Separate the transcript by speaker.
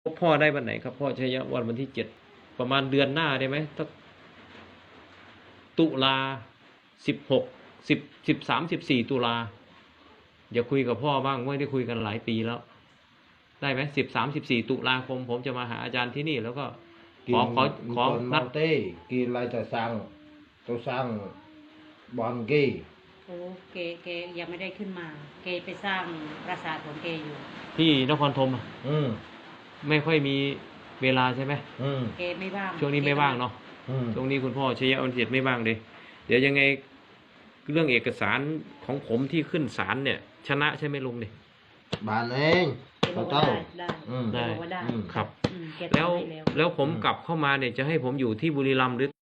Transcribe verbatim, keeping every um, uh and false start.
Speaker 1: พ่อได้วันไหนครับพ่อชัยวันวันที่เจ็ดประมาณเดือนหน้าได้ไหมตักตุลาสิบหกสิบสิบสามสิบสี่ตุลาอย่าคุยกับพ่อบ้างไม่ได้คุยกันหลายปีแล้ว ได้ไหมสิบสามสิบสี่ตุลาคมผมจะมาหาอาจารย์ที่นี่แล้วก็ขอขอขอนัด
Speaker 2: เต้กินอะไรจะสร้างตัวสร้างบอลกี้
Speaker 3: โอ้เกเกยังไม่ได้ขึ้นมา เกไปสร้างปราสาทของเกอยู่
Speaker 1: ที่นครธมอะ
Speaker 2: อืม
Speaker 1: ไม่ค่อยมีเวลาใช่ไหม
Speaker 2: อืม
Speaker 3: เกไม่ว่าง
Speaker 1: ช่วงนี้ไม่ว่างเนาะ
Speaker 2: อืม
Speaker 1: ช่วงนี้คุณพ่อชัยวันที่เจ็ดไม่ว่างเลย เดี๋ยวยังไงเรื่องเอกสารของผมที่ขึ้นศาลเนี่ย ชนะใช่ไหมลุงเนี่ย
Speaker 2: บานเอง
Speaker 3: เกบ
Speaker 2: เขา
Speaker 3: อกว่า
Speaker 2: เต้า
Speaker 3: ได้ได้
Speaker 2: อืม
Speaker 3: เกบอกว่าได้
Speaker 2: อืม
Speaker 1: ครับ
Speaker 3: อืมเก
Speaker 1: แล้ว
Speaker 3: ทำให้แล้ว
Speaker 1: แล้วผมกลับเข้ามาเนี่ยจะให้ผมอยู่ที่บุรีรัมย์หรือ